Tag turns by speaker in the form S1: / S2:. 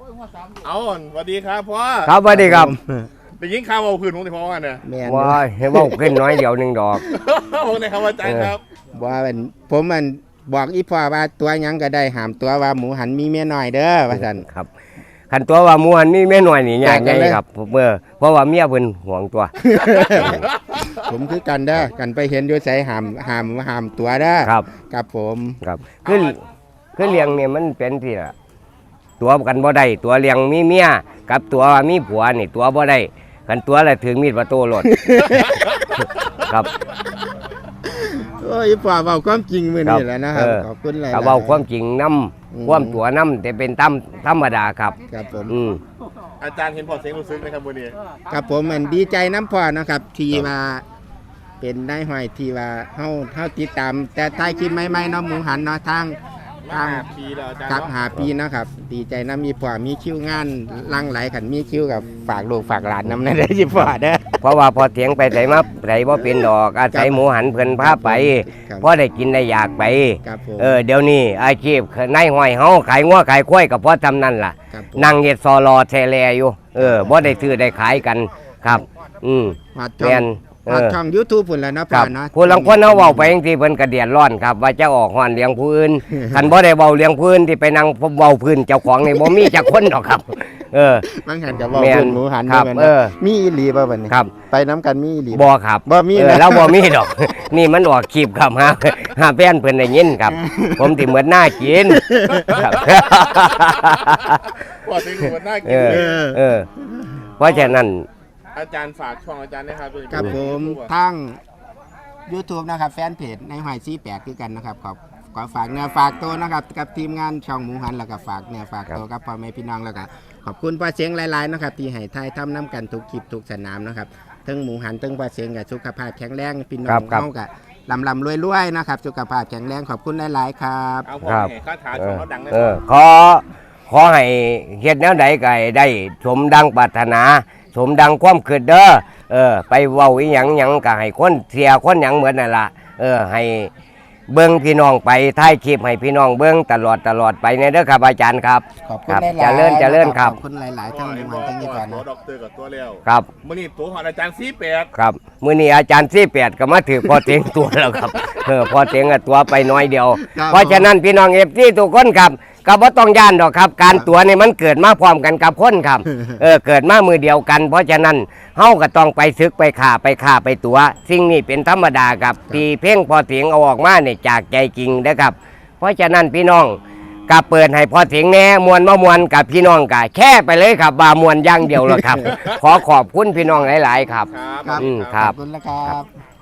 S1: เอาสวัสดีครับพ่อ
S2: ครับสวัสดีครับ
S1: ได้ยินข่าวว่าพื้นของที่พ่อกันเนี่ย
S2: ว้าให้เว้าขึ้นน้อยเดียวหนึ่งดอก
S1: ผมในคำว่าใจครับ
S3: ว่าผมบอกอีพ่อว่าตัวยังก็ได้หามตัวว่าหมูหันมีเมียน้อยเด้อว่าซั่น
S2: ครับคันตัวว่าหมูหันมีแม่น้อยนี่ยากไงครับเพราะว่าเมียเพิ่นห่วงตัว
S3: ผมคือกันเด้อกันไปเห็นอยู่ไสหามตัวเด้อครับผม
S2: ครับคือเลี้ยงเนี่ยมันเป็นที่ละตัวกันบ่ได้ตัวเลี้ยงมีเมียกับตัวมีผัวนี่ตัวบ่ได้กันตัวละถึงมีดประตูรถครับ
S3: โอ้ยพ่อเว้าความจริงมื้อนี้แหละนะครับขอบคุณหลายๆก็
S2: เว้าความจริงนำความตัวนํแต่เป็นธรรมดาครับ
S3: ครับผม
S1: อาจารย์เห็นพอเสียงรู้สึกนะครับวันนี้
S3: ครับผมมันดีใจน้ำพ่อนะครับที่ว่าเป็นนายห้อยที่ว่าเฮาติดตามแต่ท้ายคลิปใหม่ๆเนาะหมูหันเนาะทาง
S1: ปีแล้วอาจารย์
S3: ครับ5 ปีนะครับดีใจน้ำมีพ่อมีคิวงานลังไหลขันมีคิวกับฝากลูกฝากหลานน้ำนั่นได้สิพ่อเด้อ
S2: เพราะว่าพอเถียงไปใส่มาใส่บ่เป็นดอกอาศัยหมูหันเพิ่นพาไปเพราะได้กินได้อยากไปเดี๋ยวนี้อาชีพนายห้อยเฮาขายงัวขายควายก็เพราะทำนั่นล่ะนั่งเฮ็ดซอรอแทแลอยู่บ่ได้ซื้อได้ขายกันครับแม่น
S3: ช่อง YouTube พุ่นแล้วเนาะพ่อเนาะ
S2: ผู้ลางคนเฮาเว้าไปจังซี่เพิ่นก็เดือดร้อนครับว่าจะออกฮ้อนเลี้ยงผู้อื่นคันบ่ได้เว้าเลี้ยงผู้อื่นที่ไปนั่งเว้าพื้นเจ้าของนี่บ่มีจักคนดอกครับ
S3: บางหันก็เว้าพื้นหมูหัน
S2: ครับ
S3: มีอีหลีบ่บัดนี้ไปน้ำกันมีอีหลี
S2: บ่ครับ
S3: บ่มี
S2: แล้วบ่มีดอกนี่มันออกคลิปครับหาแฟนเพิ่นได้ยินครับผมสิเหมือนหน้ากินครับ
S1: ว่าสิเหมือนหน้ากิน
S2: เพราะฉะนั้น
S1: อาจารย์ฝากช่องอาจารย์นะครับ
S3: ครับผมทั้ง YouTube นะครับแฟนเพจในหอย48คือกันนะครับขอฝากเนื้อฝากตัวนะครับกับทีมงานช่องหมูหันแล้วก็ฝากเนื้อฝากตัวกับพ่อแม่พี่น้องแล้วก็ขอบคุณพ่อเสียงหลายๆนะครับที่ให้ทายทำน้ำกันทุกคลิปทุกสนามนะครับทั้งหมูหันทั้งพ่อเสียงกับสุขภาพแข็งแรงพี่น้องเฮากับลำรวยๆนะครับสุขภาพแข็งแรงขอบคุณหลายๆครับ
S1: ครับข้าถาช่องเขาดังเลย
S2: ขอให้เฮ็ดแนวใดก็ได้สมดังปรารถนาสมดังความคิดเด้อไปเว้าอีหยังก็ให้คนเสียคนหยังเหมือนนั่นล่ะให้เบิ่งพี่น้องไปท้ายคลิปให้พี่น้องเบิ่งตลอดไปในเด้อครับอาจารย์ครับ
S3: ขอบคุณหลาย
S2: ๆเจริญครับ
S3: ขอบคุณหลายๆทั้งหมูหันทั้งยี่ปอนนะ
S1: ดอกเตอร์กับตัวเลี้ยว
S2: ครับ
S1: มื้อนี้ตัวของอาจารย์48
S2: ครับมื้อนี้อาจารย์48ก็มาถือพอเต็งตัวแล้วครับพอเต็งตัวไปน้อยเดียวเพราะฉะนั้นพี่น้อง FC ทุกคนครับก็บ่ต้องย่านดอกครับการตัวนี่มันเกิดมาพร้อมกันกับคนครับเกิดมามือเดียวกันเพราะฉะนั้นเฮาก็ต้องไปซึกไปฆ่าไปตัวสิ่งนี้เป็นธรรมดาครับที่เพ่งพอเสียงเอาออกมาเนี่ยจากใจจริงนะครับเพราะฉะนั้นพี่น้องก็เปิดให้พอเสียงแน่มวนกับพี่น้องก็แค่ไปเลยครับว่ามวนอย่างเดียวแล้วครับขอขอบคุณพี่น้องหลายๆครับ
S3: ครับขอบคุณนะครับ